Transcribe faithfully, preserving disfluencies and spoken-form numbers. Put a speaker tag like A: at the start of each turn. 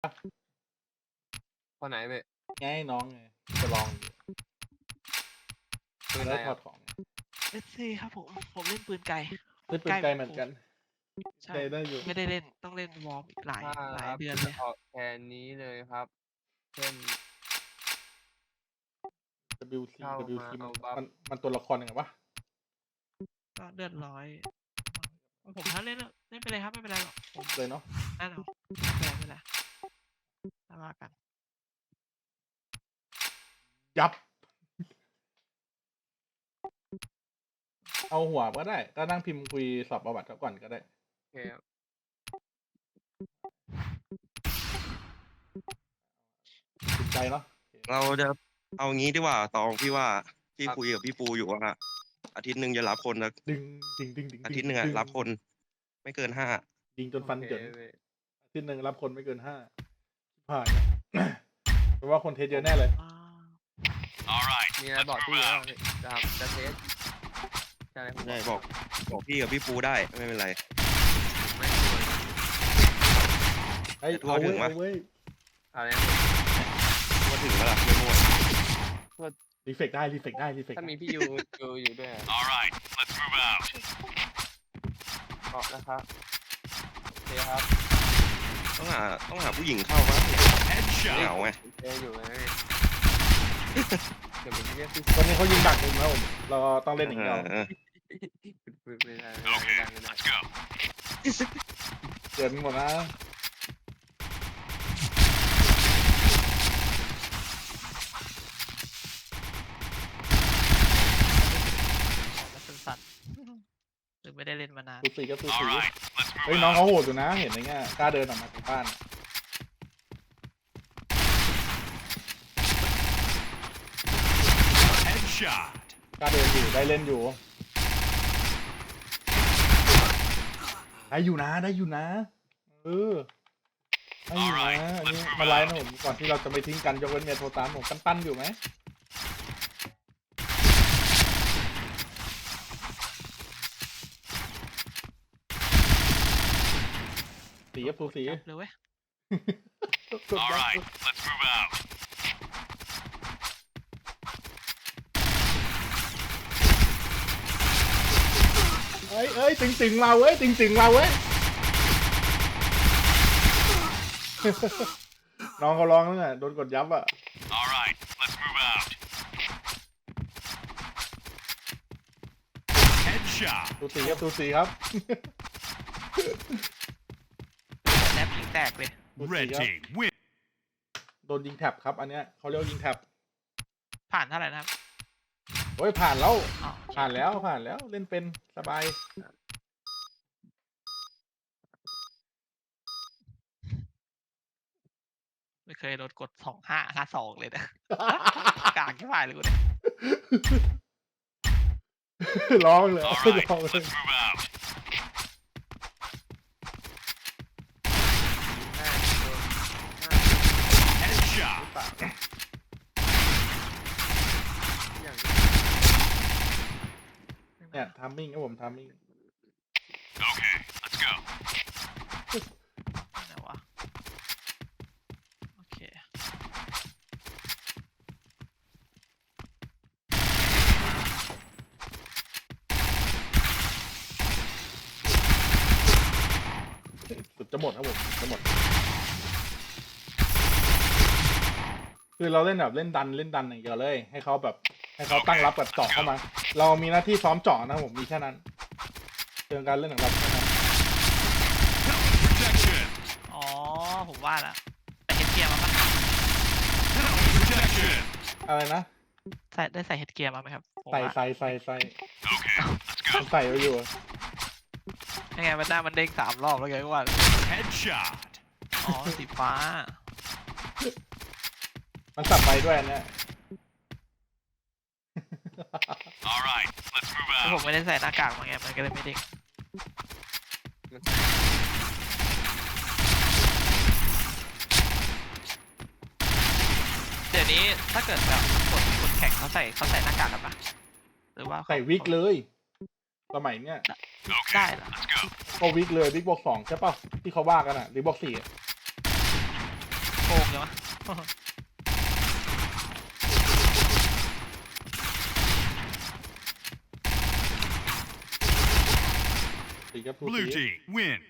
A: คนไหนเว้ย
B: ไงน้องไงจะลองปืน
A: อะไร
B: แล้วถอ
A: อ่ะ
B: ดของ
C: เอสซีครับผมผมเล่นปืนไกล
B: เล่นปืนไกลเหมือนกัน
C: ใช่
B: ไกลได้อยู่
C: ไม่ได้เล่นต้องเล่นวอร์มอีกหลาย
A: ถ้า
C: หลาย
A: ครับ
C: เดือนเลย
A: ออกแคนนี้เลยครับ เช่น
B: ดับเบิลยู ซี
A: เข้า
B: ดับเบิลยู
A: มา
B: ซี มั
A: เอา
B: น
A: บัฟ
B: มันมันตัวละครยังไงวะ
C: ก็เลือดร้อยผมถ้าเล่นเล่นไปเลยครับไม่เป็นไรหรอกผม
B: เลยเนาะ
C: นั่นเอาไม่เป็นไรไม่เป็นไรถ้าว่ากัน
B: ยับ เอาหัวก็ได้ก็นั่งพิมพ์คุยสอบประวัติเขาก่อนก็ได้
A: โอเคครับ
B: ติดใจเนาะ
D: เราจะเอางี้ดีกว่าตองพี่ว่าพี่
A: ครับ
D: คุยกับพี่ปูอยู่ว่าอาทิตย์หนึ่งจะรับคนนะ
B: ดึงดึงดึงดึง
D: อาทิตย์หนึ่งอะ
B: ดึ
D: รับคน ไม่เกินห้า
B: ยิงจนฟัน
A: โอ
B: เกิน
A: เคเว้ย
B: อาทิตย์หนึ่งรับคนไม่เกินห้าผ่าน เพราะว่าคนเทสเยอะแน่เลย
C: อ่า
A: มีอะไรบอกพี่ว่าจะจะเทสจะอะไรผม
D: ได้บอกบอกพี่กับพี่ปูได้ไม่เป็นไร
A: ไม่ควร
B: เฮ้ย
D: แต่ทั่ว
B: เอา
D: ถึ
B: เว้ย
D: งวะ
B: เอาเว้ย
A: อะไร
D: ว่าถึงแล้วล่ะไม่มั่ว
B: รีเฟกได้รีเฟกได้รีเฟก
A: ถ้ามีพี่ยูยูอยู่ด้วย
E: All right, let's move out.
A: ออกนะครับโอเคครับ
D: ต้องหาต้องหาผู้หญิงเข้ามาเห
E: Headshot.
D: งาไง
A: เจออยู่เลยเดี๋ยวผมเรียกพี่
B: ตอนนี้เขายิงดักมุมแล้วผมเราต้องเล่นอย่างเดียว
D: เออ
A: ไม่ได้ไม่ได้ไม่
E: Okay,
A: ได้ไม่ได้
E: let's go.
B: เกินหมดนะ
C: แล้วสั้นๆหรือไม่ได้เล่นมานาน
B: สูสีก็สู
E: All
B: สี
E: right, let's
B: เฮ้ย
E: move
B: น้อง
E: out.
B: เขาโหดอยู่นะ เห็นไหมเนี่ยกล้าเดินออกมาจากบ้าน
E: Headshot.
B: กล้าเดินอยู่ได้เล่นอยู่ ได้อยู่นะได้อยู่นะเออได้อยู่นะอันนี้มาไลฟ์นะผมก่อนที่เราจะไปทิ้งกันยกเว้นเมียโทรตามผมปั้นๆอยู่ไหมสีกับสูสี
C: จับเลยเว้ย
E: All right, let's move out.
B: เอ้ยเอ้ยตึงตึงๆมาเว้ยตึงตึงๆมาเว้ย น้องเขาร้องแล้วไงโดนกดยับอ่ะ
E: All right, let's move out. Headshot.
B: ตูสีครับตูสีครับ
C: แนบยิงแตกเลย
B: ตูสี
E: Red
B: ครับ
E: team win.
B: โดนยิงแท็บครับ อันเนี้ยเขาเรียกว่ายิงแท็บ
C: ผ่านเท่าไหร่นะครับ
B: โอ้ยผ่านแล้ว
C: อ๋อ
B: ผ่านแล้วผ่านแล้วเล่นเป็นสบาย
C: ไม่เคยโดนกดสองห้าห้าสองเลยนะ กลางที่ผ่านเลยกูเนี่ย
B: ร้องเลย
E: All
B: ร้อง
E: right,
B: เลย
E: let's move out.
A: ห้าโดนห้า
E: Headshot.
A: หรือเปล่าอย่าง
B: เนี่ยทามมิ่งครับผมทามมิ่ง
E: Okay, let's go.
C: ไหนวะโอเค
B: สุดจะหมดครับผมจะหมด คือเราเล่นแบบเล่นดันเล่นดันอย่างเดียวเลย ให้เขาแบบ ให้เขาตั้งรับกับเจาะเข้ามา เรามีหน้าที่ซ้อมเจาะนะครับผมมีแค่นั้นเรื่องการเล่นของเราแค่นั้น
E: Protection.
C: อ๋อผมว่าละแต่เฮดเกียร์มาปะ
E: Protection.
B: อะไรนะ
C: ใส่ได้ใส่เฮดเกียร์มาไหมครับผม
B: ใส่
C: ว่า
B: ใส่ใส่ใส่
E: Okay, let's
B: มัน
E: go.
B: ใส่ไว้อยู่
C: ยังไงมันหน้ามันเด้งสามรอบแล้วไงก็ว่า
E: Headshot.
C: อ๋อสีฟ้า
B: มันสับไปด้วยอันเนี้ย
E: All right, let's move
C: แล้วผม
E: out.
C: ไม่ได้ใส่หน้ากากมาไงมันก็เลยไม่เด้ง
A: มัน
C: เดี๋ยวนี้ถ้าเกิดแบบกดกดแข่งเขาใส่เขาใส่หน้ากากกันปะหรือว่า
B: ใส่วิกเลย สมัยเนี้ย
E: Okay,
C: ได้เหรอ
E: let's go.
B: ก็วิกเลยวิกบวกสองใช่ป่ะที่เขาว่ากันอ่ะหรือบวกสี่อะตีครับตู
E: Blue
B: ตี
E: team win.